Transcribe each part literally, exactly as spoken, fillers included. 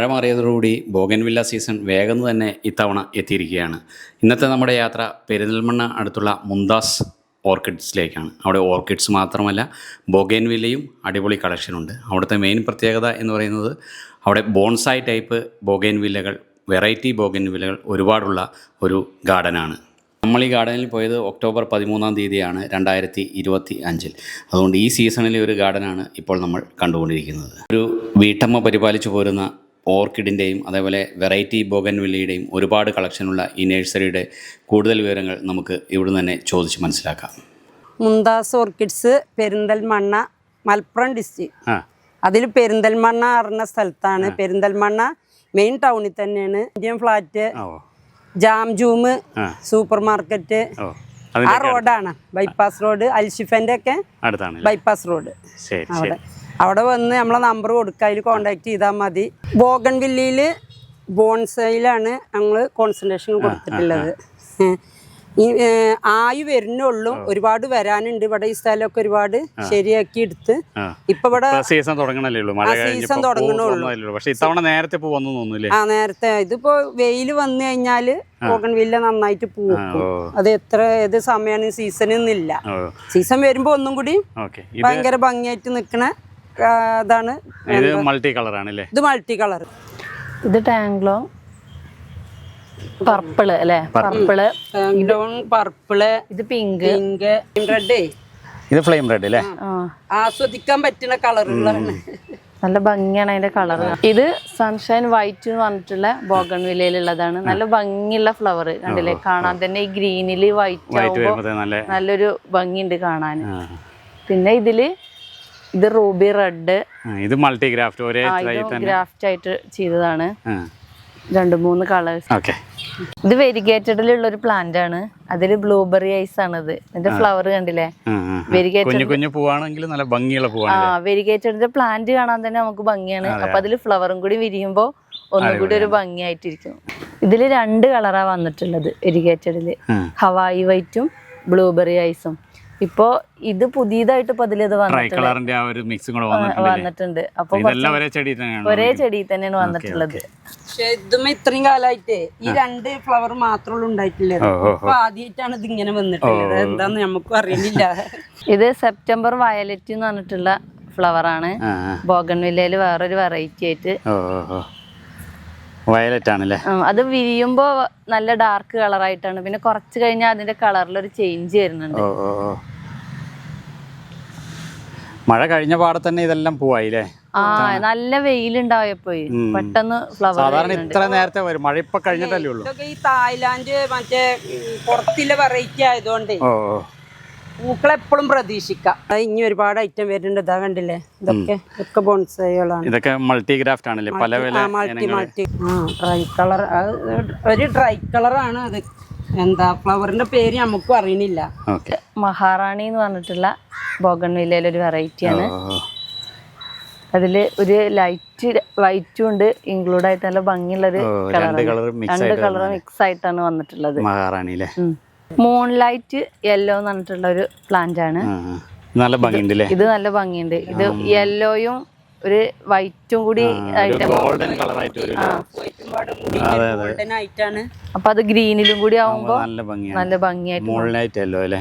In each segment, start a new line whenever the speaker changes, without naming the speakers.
മഴ മാറിയതോടുകൂടി bougainvillea season വേഗം തന്നെ ഇത്തവണ എത്തിയിരിക്കുകയാണ്. ഇന്നത്തെ നമ്മുടെ യാത്ര പെരിന്തൽമണ്ണ അടുത്തുള്ള മുംതാസ് ഓർക്കിഡ്സിലേക്കാണ്. അവിടെ ഓർക്കിഡ്സ് മാത്രമല്ല ബോഗൻവില്ലയും അടിപൊളി കളക്ഷനുണ്ട്. അവിടുത്തെ മെയിൻ പ്രത്യേകത എന്ന് പറയുന്നത് അവിടെ ബോൺസായി ടൈപ്പ് ബോഗൻവില്ലകൾ, വെറൈറ്റി ബോഗൻവില്ലകൾ ഒരുപാടുള്ള ഒരു ഗാർഡനാണ്. നമ്മൾ ഈ ഗാർഡനിൽ പോയത് ഒക്ടോബർ പതിമൂന്നാം തീയതിയാണ് രണ്ടായിരത്തി ഇരുപത്തി അഞ്ചിൽ. അതുകൊണ്ട് ഈ സീസണിലെ ഒരു ഗാർഡനാണ് ഇപ്പോൾ നമ്മൾ കണ്ടുകൊണ്ടിരിക്കുന്നത്. ഒരു വീട്ടമ്മ പരിപാലിച്ചു പോരുന്ന ഓർക്കിഡിൻ്റെയും അതേപോലെ വെറൈറ്റി ബോഗൻവില്ലയുടെയും ഒരുപാട് കളക്ഷനുള്ള ഈ നഴ്സറിയുടെ കൂടുതൽ വിവരങ്ങൾ നമുക്ക് ഇവിടുന്ന് തന്നെ ചോദിച്ച് മനസ്സിലാക്കാം.
Mumtaz orchids Perinthalmanna Malappuram district. അതിൽ പെരിന്തൽമണ്ണ അറിഞ്ഞ സ്ഥലത്താണ്. പെരിന്തൽമണ്ണ മെയിൻ ടൗണിൽ തന്നെയാണ്. Indian flat, jam jum super market ആ റോഡാണ്. ബൈപ്പാസ് റോഡ്, അൽഷിഫന്റെ ഒക്കെ ബൈപ്പാസ് റോഡ്. അവിടെ അവിടെ വന്ന് നമ്മളെ നമ്പർ കൊടുക്കുക, അതിൽ കോണ്ടാക്ട് ചെയ്താൽ മതി. ബോഗൻവില്ലയിൽ ബോൺസൈലാണ് ഞങ്ങൾ കോൺസെൻട്രേഷൻ കൊടുത്തിട്ടുള്ളത്. ഈ ആയു വരുന്നുള്ളൂ, ഒരുപാട് വരാനുണ്ട്. ഇവിടെ ഈ സ്ഥലമൊക്കെ ഒരുപാട് ശരിയാക്കി എടുത്ത് ഇപ്പൊ ഇവിടെ
സീസൺ തുടങ്ങണല്ലോ.
സീസൺ തുടങ്ങണുള്ളൂ. ആ നേരത്തെ ഇതിപ്പോ വെയിൽ വന്നു കഴിഞ്ഞാല് ബോഗൻവില്ല നന്നായിട്ട് പൂക്കും. അത് എത്ര ഏത് സമയമാണ് സീസണൊന്നുമില്ല. സീസൺ വരുമ്പോ ഒന്നും കൂടി ഭയങ്കര ഭംഗിയായിട്ട് നിക്കണ ഇതാണ്.
മൾട്ടി കളർ ആണല്ലേ
ഇത്? Multi colour.
ഇത് ടാങ്ക്ലോ പർപ്പിള് അല്ലേ? പർപ്പിള്,
പർപ്പിള്,
ഇത് പിങ്ക്,
പിങ്ക്, റെഡ്.
ഇത് ഫ്ലെയിം റെഡ് അല്ലേ?
ആസ്വദിക്കാൻ പറ്റുന്ന കളറുകളാണ്.
നല്ല ഭംഗിയാണ് അതിന്റെ കളർ. ഇത് സൺഷൈൻ വൈറ്റ് എന്ന് പറഞ്ഞിട്ടുള്ള ബോഗൻവില്ലയിലുള്ളതാണ്. നല്ല ഭംഗിയുള്ള ഫ്ലവർ കണ്ടില്ലേ? കാണാൻ തന്നെ ഈ ഗ്രീനില് വൈറ്റ് ആവുമ്പോ നല്ലൊരു ഭംഗിയുണ്ട് കാണാൻ. പിന്നെ ഇതില് ഇത് റൂബി റെഡ്,
ഇത് മൾട്ടി ഗ്രാഫ്റ്റ്, ഒരേ
ഗ്രാഫ്റ്റ് ആയിട്ട് ചെയ്തതാണ്. രണ്ട് മൂന്ന് കളേഴ്സ്. ഇത് വെരിഗേറ്റഡിലുള്ള ഒരു പ്ലാന്റ് ആണ്. അതില് ബ്ലൂബെറി ഐസ് ആണ്. ഇത് ഇതിന്റെ ഫ്ലവർ കണ്ടില്ലേ? വെരിഗേറ്റഡിന്റെ പ്ലാന്റ് കാണാൻ തന്നെ നമുക്ക് ഭംഗിയാണ്. അപ്പൊ അതില് ഫ്ലവറും കൂടി വിരിയുമ്പോ ഒന്നും കൂടി ഒരു ഭംഗിയായിട്ടിരിക്കും. ഇതില് രണ്ട് കളറാ വന്നിട്ടുള്ളത് വെരിഗേറ്റഡില്, ഹവായി വൈറ്റും ബ്ലൂബെറി ഐസും. ഇപ്പൊ ഇത് പുതിയതായിട്ട് ഇപ്പൊ അതിലിത് വന്നിട്ടുണ്ട്. അപ്പൊ ഒരേ ചെടി തന്നെയാണ് വന്നിട്ടുള്ളത്.
പക്ഷെ ഇതും ഇത്രയും കാലമായിട്ട് ഈ രണ്ട് ഫ്ലവർ മാത്രമേ ഉണ്ടായിട്ടില്ല. അപ്പൊ ആദ്യമായിട്ടാണ് ഇത് ഇങ്ങനെ വന്നിട്ടുള്ളത്. എന്താന്ന് നമുക്കും അറിയുന്നില്ല.
ഇത് സെപ്റ്റംബർ വയലറ്റ് എന്ന് പറഞ്ഞിട്ടുള്ള ഫ്ലവർ ആണ്. ബോഗൻവില്ലയില് വേറൊരു വെറൈറ്റി ആയിട്ട്
വയലറ്റ് ആണല്ലേ?
അത് വിരിയുമ്പോ നല്ല ഡാർക്ക് കളറായിട്ടാണ്. പിന്നെ കുറച്ച് കഴിഞ്ഞാൽ അതിന്റെ കളറിലൊരു ചേഞ്ച് വരുന്നുണ്ട്.
മഴ കഴിഞ്ഞ പാടെ തന്നെ ഇതെല്ലാം പോവായില്ലേ?
ആ നല്ല വെയിലുണ്ടായപ്പോ പെട്ടെന്ന് ഫ്ലവർ.
സാധാരണ ഇത്ര നേരത്തെ വരും, മഴ ഇപ്പൊ കഴിഞ്ഞിട്ടല്ലേ ഉള്ളൂ.
ഈ തായ്ലാന്റ് മറ്റേ പുറത്തിലെ വെറൈറ്റി ആയതുകൊണ്ട് പൂക്കളെപ്പോഴും പ്രതീക്ഷിക്കാം. ഇനി ഒരുപാട് ഐറ്റം വരുന്നുണ്ട്. ഇതാ കണ്ടില്ലേ? ഇതൊക്കെ ഇതൊക്കെ ബോൺസൈകളാണ്.
ഇതൊക്കെ മൾട്ടി ഗ്രാഫ്റ്റ് ആണല്ലേ? പല
മൾട്ടി മൾട്ടി ഡ്രൈ കളർ. ഒരു ഡ്രൈ കളറാണ് അത്. എന്താ ഫ്ലവറിന്റെ പേര് നമുക്കും അറിയണില്ല.
മഹാറാണി എന്ന് പറഞ്ഞിട്ടുള്ള ബോഗൻവില്ലയിലെ ഒരു വെറൈറ്റിയാണ്. അതില് ഒരു ലൈറ്റ് വൈറ്റും ഉണ്ട് ഇൻക്ലൂഡ് ആയിട്ട്. നല്ല ഭംഗിയുള്ള ഒരു രണ്ട് കളർ മിക്സ് ആയിട്ടാണ് വന്നിട്ടുള്ളത്.
മഹാറാണിയിലെ
മൂൺ ലൈറ്റ് യെല്ലോ എന്ന് പറഞ്ഞിട്ടുള്ള ഒരു പ്ലാന്റ് ആണ്.
നല്ല ഭംഗിയുണ്ട്.
ഇത് നല്ല ഭംഗിയുണ്ട്. ഇത് യെല്ലോയും ഒരു വൈറ്റും കൂടി ആയിട്ട്. അപ്പൊ അത് ഗ്രീനിലും കൂടി ആവുമ്പോ നല്ല ഭംഗിയായിട്ട്.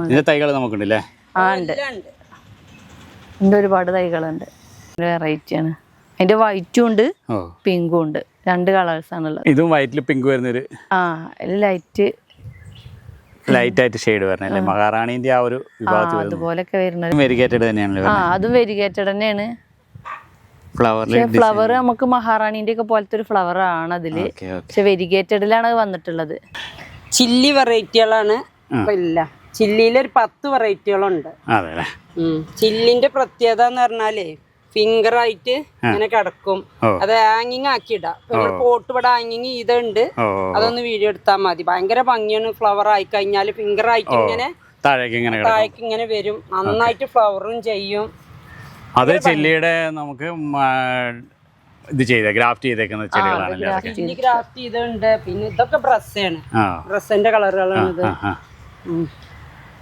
ആ ഉണ്ട്, ഇതിന്റെ ഒരുപാട് തൈകളുണ്ട്. വെറൈറ്റി ആണ്. അതിന്റെ വൈറ്റും ഉണ്ട് പിങ്കും ഉണ്ട്. രണ്ട് കളേഴ്സ് ആണുള്ളത്.
ഇതും വൈറ്റിൽ പിങ്ക് വരുന്നൊരു
ആ ലൈറ്റ്
ലൈറ്റ് ആയിട്ട് ഷെയ്ഡ് വരണല്ലേ? മഹാറാണിന്റെ ആ ഒരു വിഭാഗത്തിൽ
അതുപോലൊക്കെ വരുന്നത്
വെരിഗേറ്റഡ് തന്നെയാണല്ലോ?
ആ അതും വെരിഗേറ്റഡ് തന്നെയാണ്. ഫ്ലവർ നമുക്ക് മഹാറാണിന്റെ ഒക്കെ പോലത്തെ ഒരു ഫ്ലവർ ആണ് അതില്. പക്ഷെ വെരിഗേറ്റഡിലാണ് വന്നിട്ടുള്ളത്.
ചില്ലി വെറൈറ്റികളാണ്. ഇല്ല, ചില്ലിയിൽ ഒരു പത്ത് വെറൈറ്റികളുണ്ട്. ചില്ലിന്റെ പ്രത്യേകത എന്ന് പറഞ്ഞാലേ ഫിംഗർ ആയിട്ട് ഇങ്ങനെ കിടക്കും. അത് ഹാങ്ങിങ് ആക്കി ഇടാം. പോട്ട് ഇവിടെ ഹാങ്ങിങ് ചെയ്തുണ്ട്. അതൊന്ന് വീഡിയോ എടുത്താൽ മതി. ഭയങ്കര ഭംഗിയാണ്. ഫ്ലവർ ആയി കഴിഞ്ഞാല് ഫിംഗർ ആയിട്ട് ഇങ്ങനെ താഴേക്ക് ഇങ്ങനെ വരും. നന്നായിട്ട് ഫ്ലവറും ചെയ്യും.
അത് ചില്ലിയുടെ നമുക്ക് ഇത് ചെയ്ത ഗ്രാഫ്റ്റ് ചെയ്തേക്കുന്ന ചെടികളാണ്.
ചില്ലി ഗ്രാഫ്റ്റ് ചെയ്തിട്ടുണ്ട്. പിന്നെ ഇതൊക്കെ ബ്രസ്സാണ്. ബ്രസ്സിന്റെ കളറുകളാണ് ഇത്.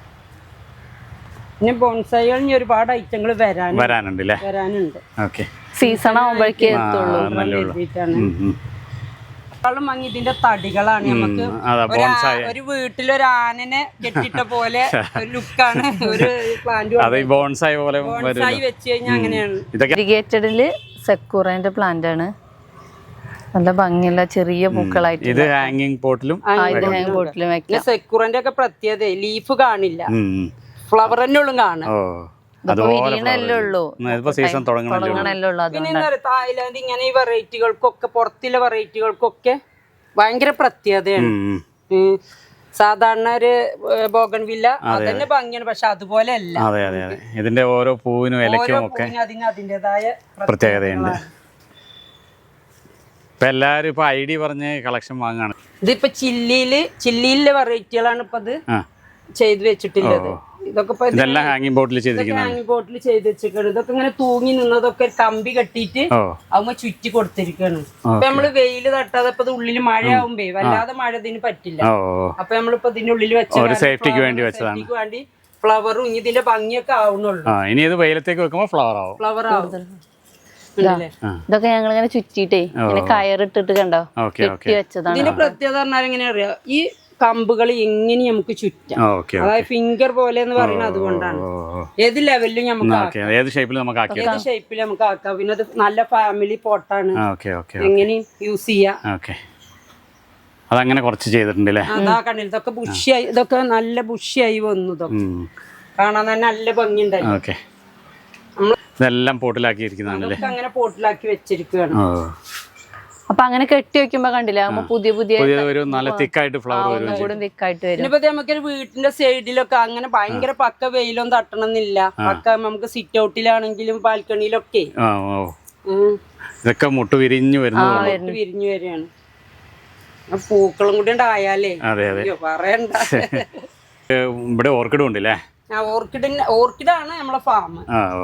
പിന്നെ ബോൺസൈകൾ ഒരുപാട് ഐറ്റങ്ങൾ വരാനുണ്ട് വരാനുണ്ട്
സീസൺ ആവുമ്പോഴേക്കേ എത്തുള്ളൂ.
എഴുതിയിട്ടാണ് ളും ഭംഗി ഇതിന്റെ തടികളാണ്. നമുക്ക് ഒരു ആ- ഒരു വീട്ടിലൊരു ആനനെ കെട്ടിട്ട പോലെ ഒരു ലുക്കാണ് ഒരു പ്ലാന്റ്
അത് ഈ ബോൺസായി പോലെ
ബോൺസായി വെച്ച് കഴിഞ്ഞാൽ അങ്ങനെയാണ്.
ഇതൊക്കെ
ഇറിഗേറ്റഡില് സെക്കൂറേന്റെ പ്ലാന്റ് ആണ്. നല്ല ഭംഗിയുള്ള ചെറിയ പൂക്കളായിട്ട്
ഇത് ഹാങ്ങിങ് പോട്ടിലും
ഹാങ് ബോട്ടിലും വെക്കാം.
പിന്നെ സെക്യൂറിന്റെ ഒക്കെ പ്രത്യേകത ലീഫ് കാണില്ല, ഫ്ലവർ തന്നെ ഉള്ളും കാണാം.
ഓ അതുപോലെ
വിരിയണല്ലേ ഉള്ളൂ,
ഇതിപ്പോ സീസൺ തുടങ്ങണല്ലോ.
തുടങ്ങണല്ലേ ഉള്ളൂ.
പിന്നെ എന്താ പറയുക, തായ്ലാന്റ് ഇങ്ങനെ ഈ വെറൈറ്റികൾക്കൊക്കെ പുറത്തുള്ള വെറൈറ്റികൾക്കൊക്കെ ഭയങ്കര പ്രത്യേകതയാണ്. ഉം. സാധാരണ ഒരു ബോഗൺവില്ല അതന്നെ ഭംഗിയാണ്, പക്ഷെ അതുപോലെ അല്ല.
അതെ അതെ അതെ ഇതിന്റെ ഓരോ പൂവിനും ഇലയ്ക്കും ഒക്കെ
അതിന് അതിൻ്റെതായ
പ്രത്യേകതയുണ്ട്. ഇപ്പൊ എല്ലാരും ഇപ്പൊ ഐ ഡി പറഞ്ഞ് കളക്ഷൻ വാങ്ങാണ്.
ഇതിപ്പോ ചില്ലിയില് ചില്ലിയിലെ വെറൈറ്റികളാണ് ഇപ്പൊ ഇത്
ആ
ചെയ്ത് വെച്ചിട്ടുള്ളത്. ഇതൊക്കെ ഇപ്പൊ
ഇതെല്ലാം ഹാങ്ങിങ് ബോട്ടിൽ ചെയ്തിരിക്കുന്നത്.
ഹാങ്ങിങ് ബോട്ടിൽ ചെയ്ത് വെച്ചിരിക്കുകയാണ്. ഇതൊക്കെ ഇങ്ങനെ തൂങ്ങി നിന്നതൊക്കെ ഒരു കമ്പി കെട്ടിയിട്ട്
ഓ
ആവുമ്പോ ചുറ്റി കൊടുത്തിരിക്കുകയാണ്. ഇപ്പൊ നമ്മള് വെയില് തട്ടാതെ ഇപ്പൊ ഉള്ളില് മഴ ആവുമ്പേ വല്ലാതെ മഴ ഇതിന് പറ്റില്ല.
ഓ
അപ്പൊ നമ്മളിപ്പോ ഇതിന്റെ ഉള്ളിൽ വെച്ച
ഒരു സേഫ്റ്റിക്ക് വേണ്ടി വെച്ചതാണ്.
സേഫ്റ്റിക്ക് വേണ്ടി ഫ്ലവറും ഇനി ഇതിന്റെ ഭംഗിയൊക്കെ ആവുന്നുള്ളൂ.
ആ ഇനി ഇത് വെയിലത്തേക്ക് വെക്കുമ്പോ ഫ്ലവർ ആവും.
ഫ്ലവർ ആവും.
ഇതൊക്കെ ഞങ്ങൾ ഇങ്ങനെ ചുറ്റിട്ടേ ഇങ്ങനെ കയറിട്ടിട്ട് കണ്ടോ
ഓക്കെ ഓക്കെ
ചുറ്റി വെച്ചതാണ്.
ഇതിന്റെ പ്രത്യേകത പറഞ്ഞാൽ എങ്ങനെ അറിയാം, ഈ കമ്പുകൾ എങ്ങനെ നമുക്ക് ചുറ്റാം.
ഓക്കെ
അതായത് ഫിംഗർ പോലെ എന്ന് പറയുന്നത് അതുകൊണ്ടാണ്. ഏത് ലെവലിലും നമുക്ക് ആക്കാം,
ഏത് ഷേപ്പിൽ നമുക്ക് ആക്കി
ഏത് ഷേപ്പിൽ നമുക്ക് ആക്കാം. പിന്നെ അത് നല്ല ഫാമിലി പോട്ടാണ്,
ഓക്കെ ഓക്കെ
എങ്ങനെയും യൂസ് ചെയ്യാം.
ഓക്കെ അതങ്ങനെ കുറച്ച് ചെയ്തിട്ടുണ്ട് അല്ലേ.
അതാ കണ്ടില്ല, ഇതൊക്കെ ബുഷിയായി, ഇതൊക്കെ നല്ല ബുഷിയായി വന്നു. ഇതൊക്കെ കാണാൻ തന്നെ നല്ല ഭംഗിയുണ്ടായി.
ഓക്കെ ഇതെല്ലാം പോട്ടിലാക്കി ഇരിക്കുന്നതാണല്ലേ.
അങ്ങനെ പോട്ടിലാക്കി വെച്ചിരിക്കുകയാണ്.
ഓ
അപ്പൊ അങ്ങനെ കെട്ടി വെക്കുമ്പോ കണ്ടില്ല, ആകുമ്പോ പുതിയ പുതിയ
പുതിയ ഒരു നല്ല തിക്കായിട്ട് ഫ്ലവർ വരും.
കൂടെ തിക്കായിട്ട് വരും.
ഇനിയിപ്പോ നമുക്ക് വീട്ടിന്റെ സൈഡിലൊക്കെ അങ്ങനെ ഭയങ്കര പക്ക വെയിലൊന്നും തട്ടണമെന്നില്ല. പക്ക നമുക്ക് സിറ്റ് ഔട്ടിലാണെങ്കിലും ബാൽക്കണിയിലൊക്കെ
ആ ഓ ഇതൊക്കെ മുട്ട് വിരിഞ്ഞു വരുന്നത്
വിരിഞ്ഞു വരികയാണ്. പൂക്കളും കൂടി ഉണ്ടായാലേ
അതെ അതെ
പറയണ്ട.
ഇവിടെ ഓർക്കിഡും ഉണ്ടല്ലേ.
ആ ഓർക്കിഡിന് ഓർക്കിഡാണ് നമ്മളെ ഫാം.
ആ ഓ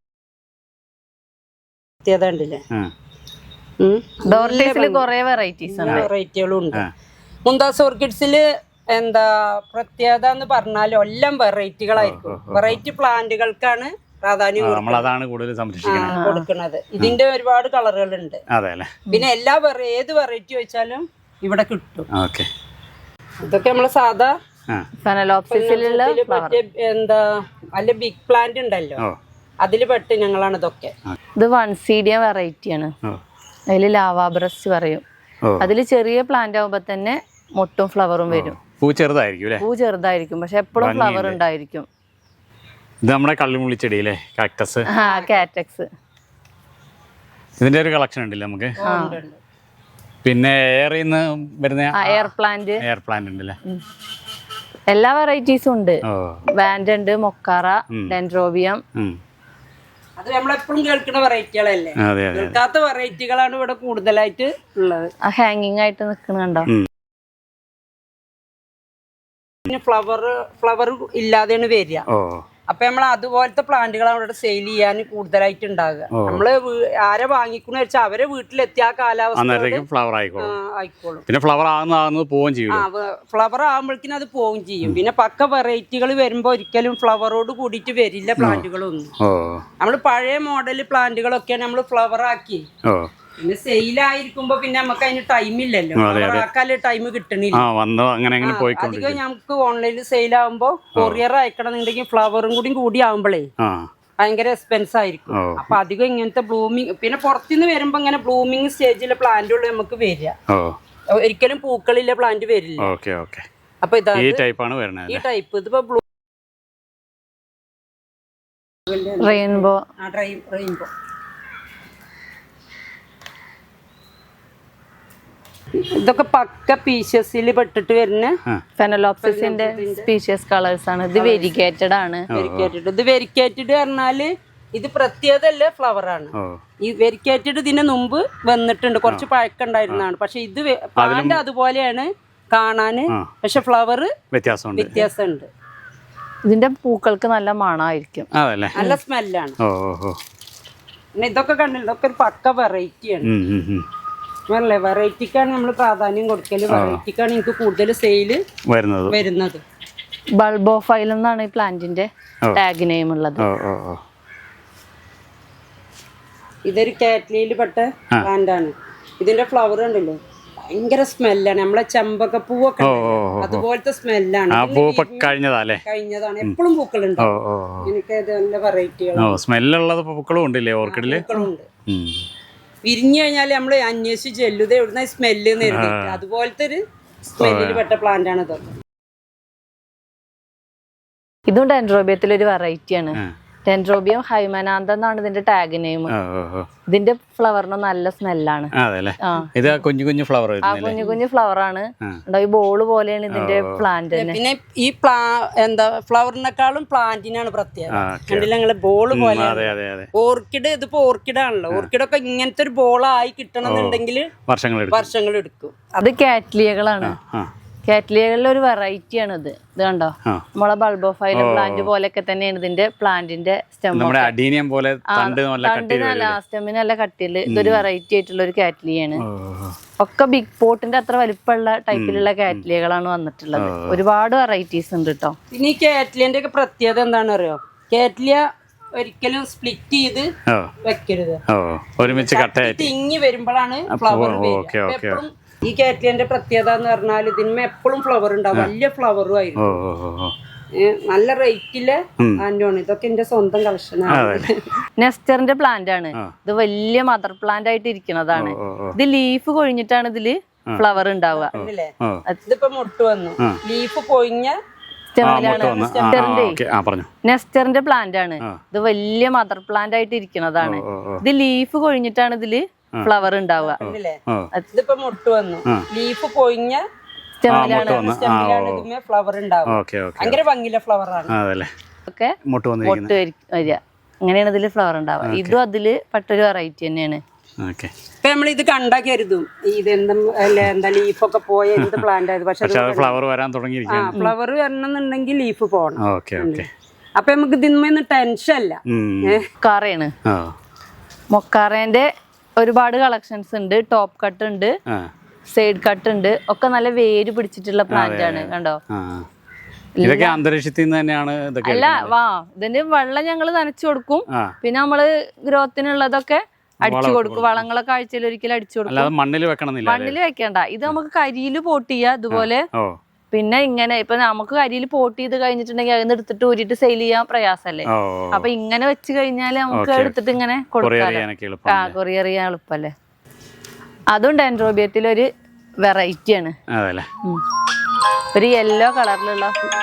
പ്രത്യേകത ഉണ്ടല്ലേ.
ഡോർലീസില് കുറെ വെറൈറ്റീസ് ഉണ്ട്,
വെറൈറ്റികളും ഉണ്ട്. മുന്താസ് ഓർക്കിഡ്സില് എന്താ പ്രത്യേകത എന്ന് പറഞ്ഞാൽ എല്ലാം വെറൈറ്റികളായിരിക്കും. വെറൈറ്റി പ്ലാന്റുകൾക്കാണ് പ്രാധാന്യം
നമ്മളതാണ് കൂടുതൽ സംരക്ഷിക്കുന്നത്
കൊടുക്കുന്നത്. ഇതിന്റെ ഒരുപാട് കളറുകളുണ്ട്.
അതെ അല്ലേ.
പിന്നെ എല്ലാ ഏത് വെറൈറ്റി വെച്ചാലും ഇവിടെ കിട്ടും.
ഓക്കെ
ഇതൊക്കെ നമ്മളെ സാധാ
ഫെനലോപ്സിസിലുള്ള
മറ്റേ എന്താ അല്ല ബിഗ് പ്ലാന്റ് ഉണ്ടല്ലോ, അതില് പെട്ട് ഞങ്ങളാണ് ഇതൊക്കെ.
ഇത് വൺസീഡിയ വെറൈറ്റി ആണ്. അതില് ലാവാബ്രസ്റ്റ് പറയും. അതില് ചെറിയ പ്ലാന്റ് ആവുമ്പോ തന്നെ മൊട്ടും ഫ്ലവറും വരും.
പൂ ചെറുതായിരിക്കും അല്ലേ.
പൂ ചെറുതായിരിക്കും പക്ഷെ എപ്പോഴും ഫ്ലവർ ഉണ്ടായിരിക്കും.
ഇത് നമ്മുടെ കള്ളിമുള്ളിച്ചെടി അല്ലേ, കാക്ടസ്.
ആ കാറ്റക്സ്.
ഇതിന്റെ ഒരു കളക്ഷൻ ഉണ്ടല്ലേ നമുക്ക്. പിന്നെ എയറിൽ നിന്ന് വരുന്ന
എയർ പ്ലാന്റ്
എയർ പ്ലാന്റ് ഉണ്ടല്ലേ.
എല്ലാ വെറൈറ്റീസും ഉണ്ട്. വാൻഡ് ഉണ്ട്, മൊക്കാറ, ഡെൻഡ്രോബിയം.
അത് നമ്മളെപ്പോഴും കേൾക്കുന്ന വെറൈറ്റികളല്ലേ. കേൾക്കാത്ത വെറൈറ്റികളാണ് ഇവിടെ കൂടുതലായിട്ട് ഉള്ളത്.
ആ ഹാങ്ങിങ് ആയിട്ട് നിൽക്കുന്ന കണ്ടോ.
പിന്നെ ഫ്ലവർ ഫ്ലവർ ഇല്ലാതെയാണ് വരിക. അപ്പൊ നമ്മൾ അതുപോലത്തെ പ്ലാന്റുകളാണ് ഇവിടെ സെയിൽ ചെയ്യാൻ കൂടുതലായിട്ട് ഉണ്ടാകുക. നമ്മള് ആരെ വാങ്ങിക്കുന്ന വെച്ചാൽ അവരെ വീട്ടിലെത്തി ആ കാലാവസ്ഥ
ഫ്ലവർ ആയിക്കോളും.
ആയിക്കോളും.
പിന്നെ ഫ്ലവർ ആകുന്ന പോവുകയും ചെയ്യും.
ഫ്ലവർ ആകുമ്പോഴേക്കും അത് പോവുകയും ചെയ്യും. പിന്നെ പക്ക വെറൈറ്റികൾ വരുമ്പോ ഒരിക്കലും ഫ്ലവറോട് കൂടിയിട്ട് വരില്ല പ്ലാന്റുകളൊന്നും. നമ്മള് പഴയ മോഡൽ പ്ലാന്റുകളൊക്കെയാണ് നമ്മൾ ഫ്ലവർ ആക്കി. പിന്നെ സെയിലായിരിക്കുമ്പോ പിന്നെ നമുക്ക് അതിന് ടൈം ഇല്ലല്ലോ, ആക്കാല് ടൈം കിട്ടണില്ല. അധികം നമുക്ക് ഓൺലൈനിൽ സെയിലാകുമ്പോ കൊറിയർ അയക്കണമെന്നുണ്ടെങ്കിൽ ഫ്ലവറും കൂടി കൂടി ആവുമ്പോഴേ ഭയങ്കര എക്സ്പെൻസ് ആയിരിക്കും. അപ്പൊ അധികം ഇങ്ങനത്തെ ബ്ലൂമിങ്, പിന്നെ പുറത്തുനിന്ന് വരുമ്പോ ഇങ്ങനെ ബ്ലൂമിങ് സ്റ്റേജിലെ പ്ലാന്റുകൾ നമുക്ക് വരിക. ഒരിക്കലും പൂക്കളില്ല പ്ലാന്റ് വരില്ല. അപ്പൊ ഇതാ ഈ ടൈപ്പ്. ഇതിപ്പോ ബ്ലൂ
റെയിൻബോ
റെയിൻബോ ഇതൊക്കെ പക്ക പീഷ്യസിൽ പെട്ടിട്ട് വരുന്ന
ഫെനലോപ്സിസിന്റെ സ്പീഷ്യസ് കളേഴ്സ് ആണ്. ഇത് വെരിഗേറ്റഡ് ആണ്.
വെരിക്കേറ്റഡ് ഇത് വെരിക്കേറ്റഡ് പറഞ്ഞാല് ഇത് പ്രത്യേകതല്ല ഫ്ലവർ ആണ്. ഈ വെരിക്കേറ്റഡ് ഇതിന് മുമ്പ് വന്നിട്ടുണ്ട്, കുറച്ച് പഴക്കുണ്ടായിരുന്നതാണ്. പക്ഷെ ഇത് പ്ലാന്റ് അതുപോലെയാണ് കാണാന്, പക്ഷെ ഫ്ലവർ വ്യത്യാസമുണ്ട്.
ഇതിന്റെ പൂക്കൾക്ക് നല്ല മണമായിരിക്കും,
നല്ല സ്മെല്ലാണ്. പിന്നെ ഇതൊക്കെ കണ്ടില്ല, ഇതൊക്കെ ഒരു പക്ക വെറൈറ്റിയാണ്. അല്ലേ, വെറൈറ്റിക്കാണ് നമ്മൾ പ്രാധാന്യം കൊടുക്കല്. വെറൈറ്റിക്കാണ് എനിക്ക് കൂടുതൽ സെയില് വരുന്നത്.
ബൾബോഫൈൽ എന്നാണ് ഈ പ്ലാന്റിന്റെ ടാഗ് നെയിം ഉള്ളത്.
ഇതൊരു കാറ്റ്ലിയിൽ പെട്ട പ്ലാന്റ് ആണ്. ഇതിന്റെ ഫ്ലവർ ഉണ്ടല്ലോ ഭയങ്കര സ്മെല്ലാണ്. നമ്മളെ ചെമ്പക പൂവൊക്കെ അതുപോലത്തെ സ്മെല്ലാണ്.
കഴിഞ്ഞതല്ലേ
കഴിഞ്ഞതാണ്. എപ്പോഴും പൂക്കളുണ്ടാവും. എനിക്ക് അത് നല്ല വെറൈറ്റികളാണ്.
സ്മെല്ലുള്ളത് പൂക്കളും ഉണ്ടല്ലേ ഓർക്കിഡില്?
പൂക്കളുണ്ട്. വിരിഞ്ഞു കഴിഞ്ഞാൽ നമ്മൾ അന്വേഷിച്ച് ചെല്ലുത് എവിടുന്ന സ്മെല്ല് നേരിട്ട് അതുപോലത്തെ ഒരു സ്മെല്ലിൽ പെട്ട പ്ലാന്റ് ആണ് ഇതൊക്കെ.
ഇതും ഡെൻഡ്രോബിയത്തിൽ ഒരു വെറൈറ്റിയാണ്. ഡെൻഡ്രോബിയം ഹൈമനാന്ത എന്നാണ് ഇതിന്റെ ടാഗ് നെയിം. ഇതിന്റെ ഫ്ലവറിന് നല്ല സ്മെല്ലാണ്.
ഇത് കുഞ്ഞു കുഞ്ഞു ഫ്ലവർ
ആ കുഞ്ഞു കുഞ്ഞു ഫ്ലവർ ആണ്. ഈ ബോള് പോലെയാണ് ഇതിന്റെ പ്ലാന്റ് തന്നെ.
പിന്നെ ഈ പ്ലാ എന്താ ഫ്ലവറിനെക്കാളും പ്ലാന്റിനാണ് പ്രത്യേകത. കണ്ടില്ല നിങ്ങള് ബോള് പോലെ. ഓർക്കിഡ് ഇതിപ്പോ ഓർക്കിഡ് ആണല്ലോ. ഓർക്കിഡൊക്കെ ഇങ്ങനത്തെ ഒരു ബോളായി കിട്ടണമെന്നുണ്ടെങ്കിൽ വർഷങ്ങൾ എടുക്കും.
അത് കാറ്റ്ലിയകളാണ്. കാറ്റ്ലിയകളിലെ ഒരു വെറൈറ്റി ആണ് ഇത്. ഇത് കണ്ടോ, നമ്മളെ ബൾബോഫൈല പ്ലാന്റ് പോലെയൊക്കെ തന്നെയാണ് ഇതിന്റെ പ്ലാന്റിന്റെ സ്റ്റെം. സ്റ്റെമ്മിന് നല്ല കട്ടിയില്. ഇതൊരു വെറൈറ്റി ആയിട്ടുള്ള ഒരു കാറ്റ്ലിയാണ്. ഒക്കെ ബിഗ് പോട്ടിന്റെ അത്ര വലിപ്പമുള്ള ടൈപ്പിലുള്ള കാറ്റ്ലിയകളാണ് വന്നിട്ടുള്ളത്. ഒരുപാട് വെറൈറ്റീസ് ഉണ്ട് കേട്ടോ.
പിന്നെ ഈ കാറ്റ്ലിയന്റെ ഒക്കെ പ്രത്യേകത എന്താണെന്ന് അറിയോ? കാറ്റ്ലിയ ഒരിക്കലും സ്പ്ലിറ്റ് ചെയ്ത് വെക്കരുത്. ഒരുമിച്ച് തിങ്ങി വരുമ്പോഴാണ് ഫ്ലവർ വരിക. ഈ കാറ്റ്ലിയന്റെ പ്രത്യേകത എന്ന് പറഞ്ഞാൽ ഇതിന്മേ എപ്പോഴും ഫ്ലവർ ഉണ്ടാവും. വലിയ ഫ്ലവറും ആയിരുന്നു. നല്ല റേറ്റില് പ്ലാന്റാണ്. ഇതൊക്കെ എന്റെ സ്വന്തം കളക്ഷനാണ്.
നെസ്റ്ററിന്റെ പ്ലാന്റ് ആണ് ഇത്. വലിയ മദർ പ്ലാന്റ് ആയിട്ട് ഇരിക്കുന്നതാണ്. ഇത് ലീഫ് കൊഴിഞ്ഞിട്ടാണ് ഇതില് ഫ്ലവർ ഉണ്ടാവുക.
ഇതിപ്പോ മുട്ട് വന്നു. ലീഫ് കൊഴിഞ്ഞ
നെസ്റ്ററിന്റെ പ്ലാന്റ് ആണ് ഇത്. വലിയ മദർ പ്ലാന്റ് ആയിട്ട് ഇരിക്കുന്നതാണ്. ഇത് ലീഫ് കൊഴിഞ്ഞിട്ടാണ് ഇതില് ഫ്ലവർ ഉണ്ടാവുക.
ഇതിപ്പോ മുട്ട് വന്നു. ലീഫ് കൊഴിഞ്ഞ ഫ്ലവർ ഉണ്ടാവും. ഭയങ്കര ഭംഗിയിലെ ഫ്ലവർ ആണ്.
മുട്ട് വരിക അങ്ങനെയാണ് ഇതില് ഫ്ലവർ ഉണ്ടാവുക. ഇതും അതില് പെട്ടൊരു വെറൈറ്റി തന്നെയാണ്.
ഇപ്പൊ നമ്മൾ ഇത് കണ്ടാ കരുതും ഇത് എന്താ എന്താ ലീഫൊക്കെ പോയ എന്ത് പ്ലാന്റ് ആയത്. പക്ഷെ
ഫ്ലവർ വരാൻ തുടങ്ങി.
ഫ്ലവർ വരണമെന്നുണ്ടെങ്കിൽ ലീഫ് പോകണം. അപ്പൊ നമുക്ക് ഇതിന്മേന്ന് ടെൻഷൻ അല്ല.
മൊക്കാറയാണ്. മൊക്കാറേന്റെ ഒരുപാട് കളക്ഷൻസ് ഉണ്ട്. ടോപ്പ് കട്ട് ഉണ്ട്, സൈഡ് കട്ട് ഉണ്ട്. ഒക്കെ നല്ല വേര് പിടിച്ചിട്ടുള്ള പ്ലാന്റ് ആണ്. കണ്ടോ,
ഇതൊക്കെ അന്തരീക്ഷത്തിൽ നിന്ന് തന്നെയാണ്.
അല്ല വാ ഇതിന് വെള്ളം ഞങ്ങള് നനച്ചു കൊടുക്കും. പിന്നെ നമ്മള് ഗ്രോത്തിനുള്ളതൊക്കെ അടിച്ചു കൊടുക്കും. വളങ്ങളൊക്കെ ആഴ്ചയിൽ ഒരിക്കലും അടിച്ചു കൊടുക്കും.
മണ്ണിൽ വെക്കണമെന്നില്ല.
മണ്ണിൽ വെക്കണ്ട. ഇത് നമുക്ക് കരിയില് പോട്ട് ചെയ്യാം. ഇതുപോലെ പിന്നെ ഇങ്ങനെ ഇപ്പൊ നമുക്ക് കരിയിൽ പോട്ട് ചെയ്ത് കഴിഞ്ഞിട്ടുണ്ടെങ്കിൽ അതിന് എടുത്തിട്ട് ഊരിട്ട് സെയിൽ ചെയ്യാൻ പ്രയാസല്ലേ. അപ്പൊ ഇങ്ങനെ വെച്ച് കഴിഞ്ഞാല് നമുക്ക് എടുത്തിട്ട് ഇങ്ങനെ കൊടുക്കാം. ആ കൊറിയർ ചെയ്യാൻ എളുപ്പല്ലേ. അതും ഡെൻഡ്രോബിയത്തിലൊരു വെറൈറ്റി ആണ്. ഒരു യെല്ലോ കളറിലുള്ള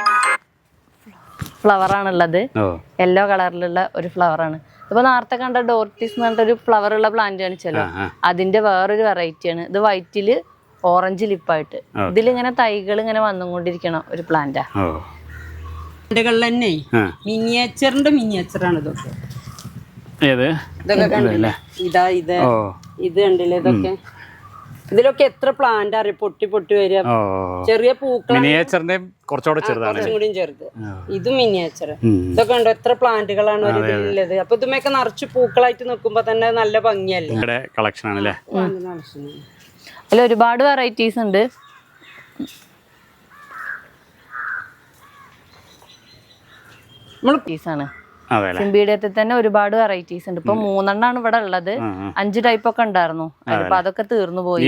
ഫ്ലവർ ആണുള്ളത്. യെല്ലോ കളറിലുള്ള ഒരു ഫ്ലവർ ആണ്. ഇപ്പൊ നേരത്തെ കണ്ട ഡോർട്ടിസ് എന്ന് പറഞ്ഞിട്ടൊരു ഫ്ലവർ ഉള്ള പ്ലാന്റ് കാണിച്ചല്ലോ, അതിന്റെ വേറൊരു വെറൈറ്റി ആണ്. ഇത് വൈറ്റില് ഓറഞ്ച് ലിപ്പായിട്ട്. ഇതിലിങ്ങനെ തൈകൾ ഇങ്ങനെ വന്നുകൊണ്ടിരിക്കണം ഒരു പ്ലാന്റാ.
തന്നെ മിനിയേച്ചറിന്റെ മിനിയേച്ചറാണ് ഇതൊക്കെ. ഇതൊക്കെ കണ്ടില്ലേ? ഇതാ ഇത് ഇത് കണ്ടില്ലേ? ഇതൊക്കെ ഇതിലൊക്കെ എത്ര പ്ലാന്റ് അറിയാം പൊട്ടി പൊട്ടി വരിക. ചെറിയ പൂക്കൾ കുറച്ചും കൂടി ചെറുത്. ഇത് മിനിയേച്ചർ. ഇതൊക്കെ ഉണ്ടോ എത്ര പ്ലാന്റുകളാണ് ഒരു ഇതിലുള്ളത്. അപ്പൊ ഇതുമൊക്കെ നിറച്ച് പൂക്കളായിട്ട് നിൽക്കുമ്പോ തന്നെ നല്ല ഭംഗിയല്ലേ.
കളക്ഷൻ ആണല്ലേ.
അതിൽ ഒരുപാട് വെറൈറ്റീസ് ഉണ്ട്. ആണ് സിംബീഡിയത്തിൽ തന്നെ ഒരുപാട് വെറൈറ്റീസ് ഉണ്ട്. ഇപ്പൊ മൂന്നെണ്ണാണ് ഇവിടെ ഉള്ളത്. അഞ്ച് ടൈപ്പ് ഒക്കെ ഉണ്ടായിരുന്നു. അപ്പൊ അതൊക്കെ തീർന്നു പോയി.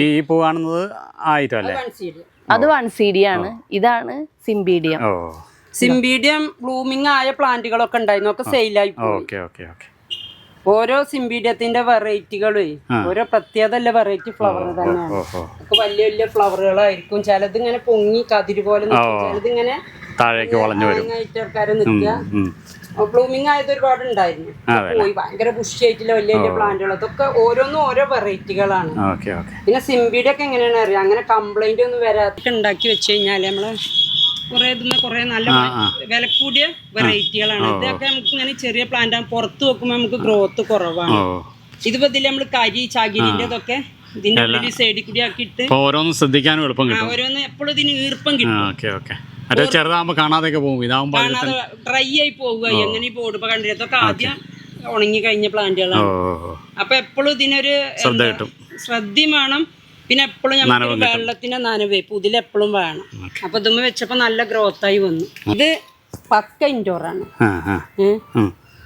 അത് വൺ സി ഡി ആണ്. ഇതാണ് സിംബീഡിയം.
സിംബീഡിയം ബ്ലൂമിങ് ആയ പ്ലാന്റുകളൊക്കെ ഉണ്ടായിരുന്നു. ഒക്കെ സെയിലായി പോയി. ഓരോ സിംബീഡിയത്തിന്റെ വെറൈറ്റികളും ഓരോ പ്രത്യേകത വെറൈറ്റി ഫ്ലവർ തന്നെയാണ്. ഒക്കെ വലിയ വലിയ ഫ്ലവറുകളായിരിക്കും. ചിലത് ഇങ്ങനെ പൊങ്ങി കതിര് പോലെ നിൽക്കും. ചിലത് ഇങ്ങനെ ആൾക്കാര് നിൽക്കുക. ബ്ലൂമിങ് ആയത് ഒരുപാട് ഉണ്ടായിരുന്നു. പോയി ഭയങ്കര ബുഷി ആയിട്ടുള്ള വലിയ വലിയ പ്ലാന്റുകൾ. അതൊക്കെ ഓരോന്നും ഓരോ വെറൈറ്റികളാണ്. പിന്നെ സിംബീഡിയ ഒക്കെ എങ്ങനെയാണ് അറിയാം. അങ്ങനെ കംപ്ലൈന്റ് ഒന്നും വരാത്ത ഉണ്ടാക്കി വെച്ച് കഴിഞ്ഞാല് നമ്മള് കുറെ ഇതിന് കുറെ നല്ല വില കൂടിയ വെറൈറ്റികളാണ്. ഇതൊക്കെ നമുക്ക് ഇങ്ങനെ ചെറിയ പ്ലാന്റ് ആണ്. പുറത്ത് വെക്കുമ്പോ നമുക്ക് ഗ്രോത്ത് കുറവാണ്. ഇതിപ്പോ ഇതിൽ നമ്മള് കരി ചകിരിന്റെ ഇതൊക്കെ ഇതിന്റെ ഉള്ളിൽ സൈഡിൽ കൂടി ആക്കിയിട്ട്
ഓരോന്നും ശ്രദ്ധിക്കാനും എളുപ്പം കിട്ടും.
ഓരോന്ന് എപ്പോഴും ഇതിന് ഈർപ്പം കിട്ടും.
ചെറുതാകുമ്പോ കാണാതൊക്കെ പോകും. ഇതാവുമ്പോ
ഡ്രൈ ആയി പോവുക. എങ്ങനെ പോടും. ഇപ്പൊ കണ്ടില്ല ഇതൊക്കെ ആദ്യം ഉണങ്ങി കഴിഞ്ഞ പ്ലാന്റുകളാണ്. അപ്പൊ എപ്പോഴും ഇതിനൊരു ശ്രദ്ധയും വേണം. പിന്നെ എപ്പോഴും നമുക്ക് വെള്ളത്തിന്റെ നനവേ പുതിലെപ്പോഴും വേണം. അപ്പൊ ഇതുമ്മ വെച്ചപ്പോ നല്ല ഗ്രോത്ത് ആയി വന്നു. ഇത് പക്ക ഇൻഡോർ ആണ്.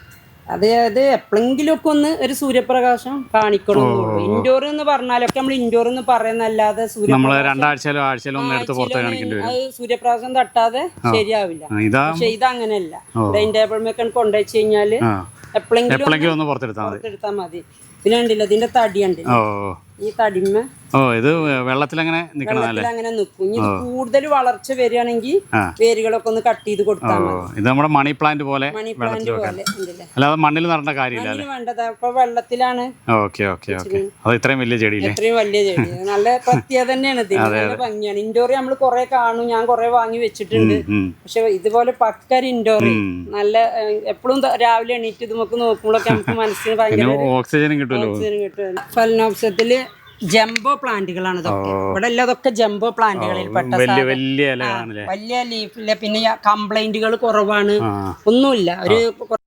അതായത് എപ്പോഴെങ്കിലും ഒക്കെ ഒന്ന് ഒരു സൂര്യപ്രകാശം കാണിക്കണമെന്നുള്ളൂ. ഇൻഡോർ എന്ന് പറഞ്ഞാലൊക്കെ നമ്മൾ ഇൻഡോർ എന്ന് പറയുന്നല്ലാതെ
നമ്മൾ രണ്ടാഴ്ചയിലോ ആഴ്ചയിലോ ഒന്ന് എടുത്ത് പുറത്ത് കാണിക്കേണ്ടി വരും.
അത് സൂര്യപ്രകാശം തട്ടാതെ ശരിയാവില്ല.
ഇതാ
പക്ഷെ ഇത് അങ്ങനെയല്ല. ഡൈനിങ് ടേബിൾ മേക്കാൻ കൊണ്ടുവച്ച് കഴിഞ്ഞാല് എപ്പോഴെങ്കിലും
എപ്പോഴെങ്കിലും ഒന്ന് പുറത്തെടുത്താൽ മതി.
എടുത്താൽ മതി. പിന്നെ കണ്ടില്ല ഇതിന്റെ തടി ഉണ്ട്,
ഓ
ഈ തടിമ
ഓ ഇത് വെള്ളത്തിലങ്ങനെ നിക്കണതല്ലേ?
അങ്ങനെ നിൽക്കും. ഇനി ഇത് കൂടുതൽ വളർച്ച വരികയാണെങ്കിൽ വേരുകളൊക്കെ ഒന്ന് കട്ട് ചെയ്ത് കൊടുത്താൽ മതി.
ഇത് നമ്മുടെ മണി പ്ലാന്റ് പോലെ
മണി പ്ലാന്റ് പോലെ ഉണ്ടല്ലേ?
അല്ലാതെ മണ്ണിൽ നടേണ്ട കാര്യമില്ല അല്ലേ?
വേണ്ടത് അപ്പൊ വെള്ളത്തിലാണ്.
Okay okay okay. അത് ഇത്രയും വലിയ ചെടിയില്ലേ?
ഇത്രയും വലിയ ചെടി നല്ല പ്രത്യേകത തന്നെയാണ് ഇതിന്. നല്ല ഭംഗിയാണ്. ഇൻഡോർ നമ്മൾ കുറെ കാണും, ഞാൻ കുറെ വാങ്ങി വെച്ചിട്ടുണ്ട്. പക്ഷെ ഇതുപോലെ പക്കര ഇൻഡോർ നല്ല എപ്പോഴും രാവിലെ എണീറ്റ് ഇത് നമുക്ക് നോക്കുമ്പോഴൊക്കെ നമുക്ക് മനസ്സിന് ഭയങ്കര
ഓക്സിജനും കിട്ടുമല്ലോ.
ഓക്സിജൻ കിട്ടും. ഫലനോപ്സത്തില് ജംബോ പ്ലാന്റുകളാണ് ഇതൊക്കെ. ഇവിടെ എല്ലാം ഇതൊക്കെ ജംബോ പ്ലാന്റുകളിൽ പെട്ട
വലിയ വലിയ ഇലകളാണല്ലേ?
വലിയ ലീഫില്ല. പിന്നെ കംപ്ലൈന്റുകൾ കുറവാണ്, ഒന്നുമില്ല. ഒരു